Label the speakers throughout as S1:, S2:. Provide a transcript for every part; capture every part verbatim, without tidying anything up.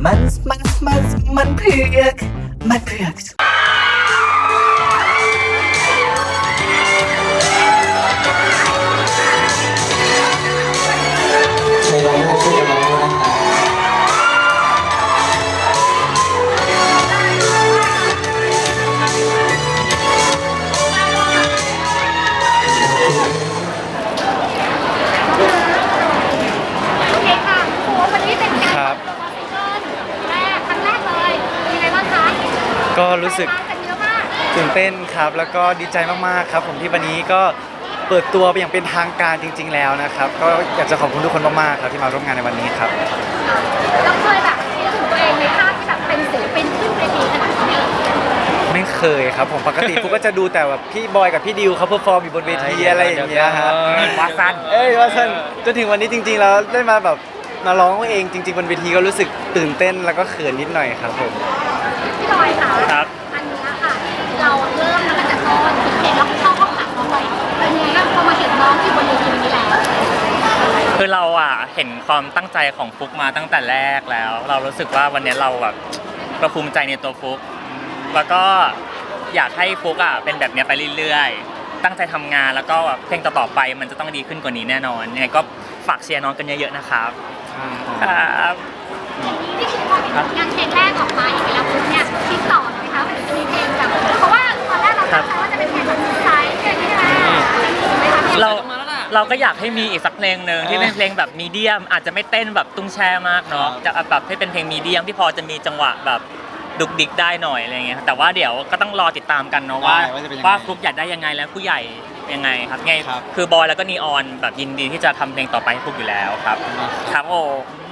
S1: มันมันมันมันเผือกมันเผือก
S2: ในร้องไห้ช่วยกันร้องด้วยนะคะ
S3: โอเคค่ะโอ้วันนี้เป็นการเปิดตัวซิงเกิลแรกครั้งแรกเลยเป็นยังไงบ้างคะ
S4: ก็รู้สึก
S3: กันเยอะมาก
S4: ตื่นเต้นครับแล้วก็ดีใจมากๆครับผมที่วันนี้ก็เปิดตัวไปอย่างเป็นทางการจริง ๆ แล้วนะครับก็อยากจะขอบคุณทุกคนมากๆครับที่มาร่วมงานในวันนี้ครับ
S3: เราเคยแบบคิดถึงตัวเองในภาพที่แบบเป็นศิลปินขึ้นเวทีขนาดนี้
S4: ไม่เคยครับผมปกติ ฟุกก็จะดูแต่แบบพี่บอยกับพี่ดิวเขาเพอร์ฟอร์มอยู่บนเวทีอะไรอย่างเงี้ยฮะ
S5: วาซัน
S4: เอ้ยวาซันจนถึงวันนี้จริงๆแล้วได้มาแบบมาร้องเองจริง ๆบนเวทีก็รู้สึกตื่นเต้นแล้วก็เขินนิดหน่อยครับผม
S3: พี่ลอยค่ะ
S5: ครับ
S3: อันนี้ค่ะเราเริ่มมาตั้งแต่ตอนเห็นแล้วเข้าห้องอัดน้องไว้เป็นยังไงบ้างพอมาเห็นน้องที่บนเวทีนี้แล้ว
S5: คือเราอ่ะเห็นความตั้งใจของฟุกมาตั้งแต่แรกแล้ว เรารู้สึกว่าวันนี้เราแบบเราภูมิใจในตัวฟุกแล้วก็อยากให้ฟุกอ่ะเป็นแบบนี้ไปเรื่อยๆตั้งใจทำงานแล้วก็แบบเพลงต่อๆไปมันจะต้องดีขึ้นกว่านี้แน่นอนยังไงก็ฝากเชียร์น้องกันเยอะๆนะครับครับ
S3: นี่คือพอเป็นงานเพลงแรกออกมาอย่างนี้แล้วปุ๊บเนี่ยคิดต่อไหมคะว่าจะมีเพลงแบบเพราะว่าตอนแรกเราตั้งใจว่าจะเป็นเพลงแบบไซส์อย่างนี้ใช่ไหมไหมคะ
S5: เราเราก็อยากให้มีอีกสักเพลงหนึ่งที่เป็นเพลงแบบมีเดียมอาจจะไม่เต้นแบบตุ้งแช่มากเนาะจะแบบให้เป็นเพลงมีเดียมที่พอจะมีจังหวะแบบดุกดิกได้หน่อยอะไรเงี้ยแต่ว่าเดี๋ยวก็ต้องรอติดตามกันเนาะว่าว่าฟลุกอยากได้ยังไงแล้วผู้ใหญ่ยังไงครับไงคือบอยแล้วก็นีออนแบบยินดีที่จะทำเพลงต่อไปให้ฟลุกอยู่แล้วครับครับโอ้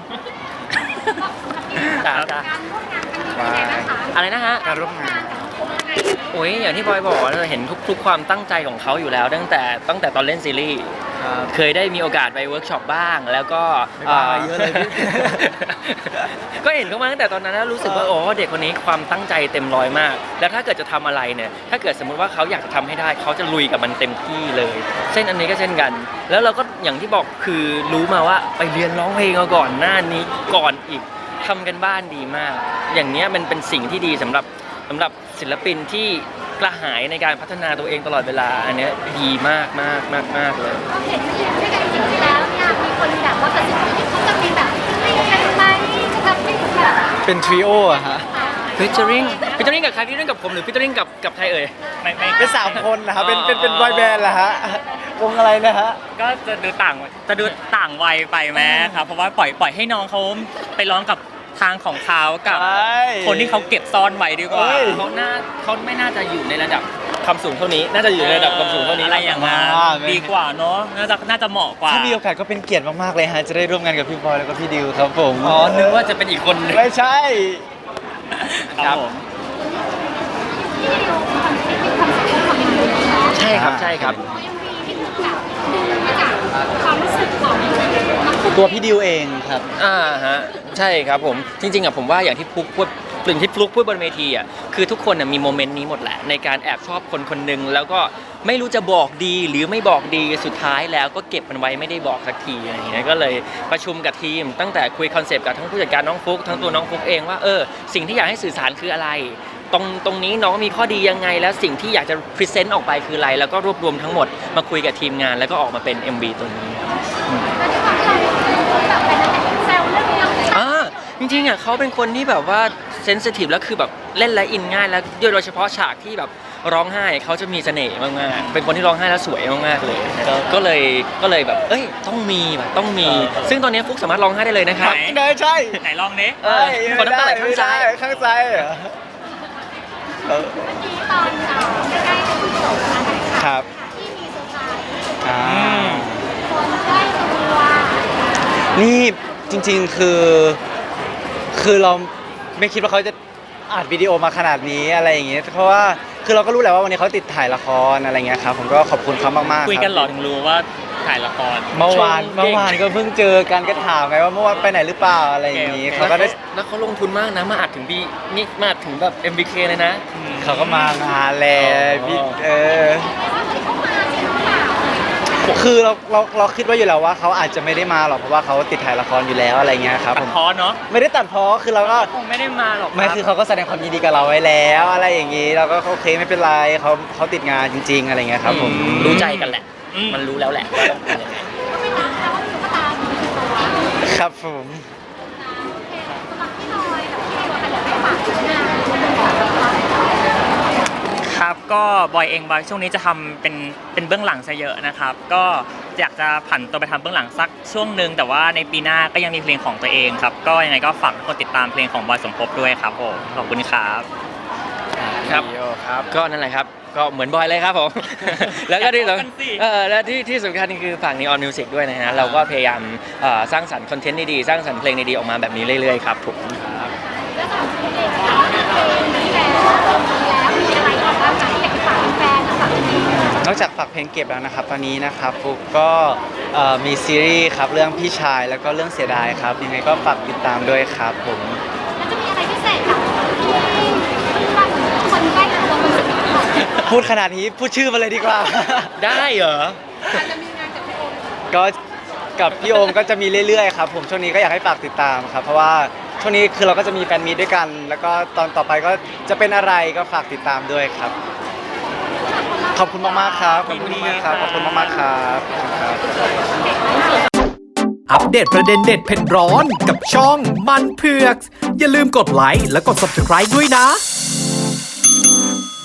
S3: การร่วมงานครั้งนี้เป็นยังไงบ้างคะ
S6: อะไรนะฮะ
S4: การร่วมงาน
S6: โอ้ยอย่างที่บอยบอกเราเห็นทุกๆความตั้งใจของเขาอยู่แล้ว ตั้งแต่ตั้งแต่ตอนเล่นซีรีส์เคยได้มีโอกาสไปเวิร์กช็อปบ้าง แล้วก็
S4: ไม่บ้าเยอะเลยพี่
S6: ก็เห็นเขามาตั้งแต่ตอนนั้นแล้วรู้สึกว่าโอ้เด็กคนนี้ความตั้งใจเต็มร้อยมาก แล้วถ้าเกิดจะทำอะไรเนี่ยถ้าเกิดสมมุติว่าเขาอยากจะทำให้ได้เขาจะลุยกับมันเต็มที่เลยเช่นอันนี้ก็เช่นกัน แล้วเราก็อย่างที่บอกคือรู้มาว่าไปเรียนร้องเพลงมาก่อนหน้านี้ก่อนอีกทำกันบ้านดีมาก อย่างเนี้ยมันเป็นสิ่งที่ดีสำหรับสำหรับศิลปินที่กระหายในการพัฒนาตัวเองตลอดเวลาอันเนี้ยดีมากมากมากมากเลย
S3: เราเห็นมาอยู่ด้วยกันจริงๆแล้วเนี่ยมีคนแบบว่ากระซิบว่าเขาจะมีแบบไม่กันไหมจะทำให้แบบ
S4: เป็นทริโออะฮะ
S6: ฟิชเชอริงฟิชเชอริงกับใครฟิชเชอริงกับผมหรือฟิชเชอริงกับกับใครเอ่ย
S5: ไม่ไม่
S4: เป็นสามคนนะครับเป็นเป็นเป็น
S6: อ๋
S4: บ
S6: อ
S4: อยแบนด์เหรอฮะวงอะไรนะฮะ
S5: ก็จะดูต่างจะดูต่างวัยไปไหมครับเพราะว่าปล่อยปล่อยให้น้องเขาไปร้องกับทางของเขากับ
S4: ใช่
S5: คนที่เขาเก็บซ่อนไว้ดีกว่า
S4: เอ้ย
S6: เขาน่าเขาไม่น่าจะอยู่ในระดับความสูงเท่านี้ น่าจะอยู่ในระดับความสูงเท่านี้
S5: อะไรอย่างนั้น
S4: อ่า
S5: ดีกว่าเนาะน่าจะน่าจะเหมาะกว่า
S4: ถ้ามีโอกาสก็เป็นเกียรติมากๆเลยฮะจะได้ร่วมงานกับพี่บอยแล้วก็พี่ดิวครับผม
S6: อ๋อนึกว่าจะเป็นอีกคนหนึง
S4: ไม่ใช่
S5: ครับผม
S3: ที่ดิวคอนเซ็ปต์คอนเซ็ปต์ของดิวเนาะ
S6: ใช่ครับใช่ครับ
S3: เอ็มวีที่เหมือนกับดูมาจากความรู้สึกของน้องฟุ๊ก
S4: ตัวพี่ดิวเองครับ
S6: อ่าฮะใช่ครับผมจริงๆอ่ะผมว่าอย่างที่ฟุกพูดสิ่งที่ฟลุกพูดบนเวทีอ่ะคือทุกคนน่ะมีโมเมนต์นี้หมดแหละในการแอบชอบคนคนหนึ่งแล้วก็ไม่รู้จะบอกดีหรือไม่บอกดีสุดท้ายแล้วก็เก็บมันไว้ไม่ได้บอกสักทีอะไรอย่างเงี้ยก็เลยประชุมกับทีม ตั้งแต่คุยคอนเซปต์กับทั้งผู้จัดการน้องฟุกทั้งตัวน้องฟุกเองว่าเออสิ่งที่อยากให้สื่อสารคืออะไร ตรงตรงนี้น้องมีข้อดียังไงแล้วสิ่งที่อยากจะพรีเซนต์ออกไปคืออะไรแล้วก็รวบรวมทั้งหมดมาคุยกับทีมงานแล้วก็ออกมาเป็น เอ็ม วี ตัวนี้
S3: แล้วที่ความที่เราแบบเป็นแซวเรื่องนี้
S6: อ่าจริงๆอ่ะเขาเป็นคนที่แบบว่าเซนซิทีฟแล้วคือแบบเล่นและอินง่ายแล้วโดยเฉพาะฉากที่แบบร้องไห้เขาจะมีเสน่ห์มากๆเป็นคนที่ร้องไห้แล้วสวยมากๆเลยก็เลยก็เลยแบบเอ้ยต้องมีแบบต้องมี ซึ่งตอนนี้ฟุกสามารถร้องไห้ได้เลยนะครับ
S5: ไหน
S4: ได้ใช่
S5: ไหนลองนี้
S6: เออคนน้ำตาไหลข้างซ้าย
S4: ข้างซ้ายเหรอเออ
S3: เมื่อกี้ตอนใกล้ๆจะจบนะคะ
S4: ครับ
S3: ที่มีเซอร์ไพรส์
S4: อ่า
S3: คนใกล้ตัว
S4: นี่จริงๆคือ คือเราไม่คิดว่าเขาจะอัดวิดีโอมาขนาดนี้อะไรอย่างเงี้ยเพราะว่าคือเราก็รู้แหละว่าวันนี้เขาติดถ่ายละครอะไรเงี้ยครับผมก็ขอบคุณเขามากๆ
S5: คุยกัน
S4: รับ
S5: เหรอถึงรู้ว่าถ่ายละคร
S4: เมื่อวาน
S6: ชมเก่ง
S4: เมื่อวานก็เพิ่งเจอกันก็ถามไงว่าเมื่อวานไปไหนหรือเปล่าอะไรอย่างงี้
S5: โอเค
S4: เขาก็ได้
S6: แล้วเขาลงทุนมากนะมาอัดถึงบีนี่มาอัดถึงแบบ เอ็ม บี เค เลยนะ
S4: เขาก็มางานแหละพี่เออ
S3: แต่ว่าเหมือนเขามาจริงหรือเปล่า
S4: คือเราเราเราคิดว่าอยู่แล้วว่าเขาอาจจะไม่ได้มาหรอกเพราะว่าเขาติดถ่ายละครอยู่แล้วอะไรเงี้ยครับ
S5: ตั
S4: ผ
S5: ด
S4: ม
S5: พ้อเนาะ
S4: ไม่ได้ตัดพ้อคือเราก็
S5: คงไม่ได้มาหรอก
S4: ไม่
S5: รับ
S4: คือเขาก็แสดงความยินดีกับเราไว้แล้วอะไรอย่างนี้เราก็โอเคไม่เป็นไรเขาเขาติดงานจริง ๆ อะไรเงี้ยครับผม
S6: รู้ใจกันแหละ
S5: อืม
S6: มันรู้แล้วแหละว่าต้องเป็นยังไง
S3: ก็ไม่นับแล้วว่ามีตุ๊กตามีตัว
S4: ครับผม
S3: โอเคสำหรับพี่น้อยกับพี่ตัวค่ะอยากให้ฝากผลงาน
S5: ครับก็บอยเองบอยช่วงนี้จะทำเป็นเป็นเบื้องหลังซะเยอะนะครับ ก็อยากจะผันตัวไปทำเบื้องหลังสักช่วงหนึ่งแต่ว่าในปีหน้าก็ยังมีเพลงของตัวเองครับ ก็ยังไงก็ฝากทุกคนติดตามเพลงของบอยสมภพด้วยครับผมขอบคุณครับ
S6: ครับ
S4: ครับ
S6: ก็นั่นแหละครับ ก็เหมือนบอยเลยครับผม แล้วก็ที่
S5: อยากบอกกันสิ
S6: เออและที่ที่สำคัญคือฝาก Neon Music ด้วยนะฮะเราก็พยายามเอ่อสร้างสรรค์คอนเทนต์ดีๆสร้างสรรค์เพลงดีๆออกมาแบบนี้เรื่อยๆครับผม
S3: แล้วสำหรับพี่เองนะคะเพลงนี้แล้วมีแล้วมีอะไรอีกบ้างคะที่อยากจะฝากแฟนๆฝากพี่
S4: นอกจากฝากเพลงเก็บแล้วนะครับตอนนี้นะครับฟุกก็เอ่อมีซีรีส์ครับเรื่องพี่ชายแล้วก็เรื่องเสียดายครับยังไงก็ฝากติดตามด้วยครับผม
S3: แล้วจะมีอะไรพิเศษกับที่คนใกล้ตัวคนสนิทของ
S4: พูดขนาดนี้พูดชื่อมาเลยดีกว่า
S6: ได้เหรอ
S3: อาจจะมีงานกับพี่โอม
S4: ก็กับพี่โอมก็จะมีเรื่อยๆครับผมช่วงนี้ก็อยากให้ฝากติดตามครับเพราะว่าช่วงนี้คือเราก็จะมีแฟนมีตด้วยกัน แล้วก็ตอนต่อไปก็จะเป็นอะไรก็ฝากติดตามด้วยครับ ขอบคุณมากๆครับขอบคุณมากๆครับขอบคุณมากๆครับขอบคุณครับ
S7: อัปเดตประเด็นเด็ดเผ็ดร้อนกับช่องมันเผือก อย่าลืมกดไลค์และกด ซับสไครบ์ ด้วยนะ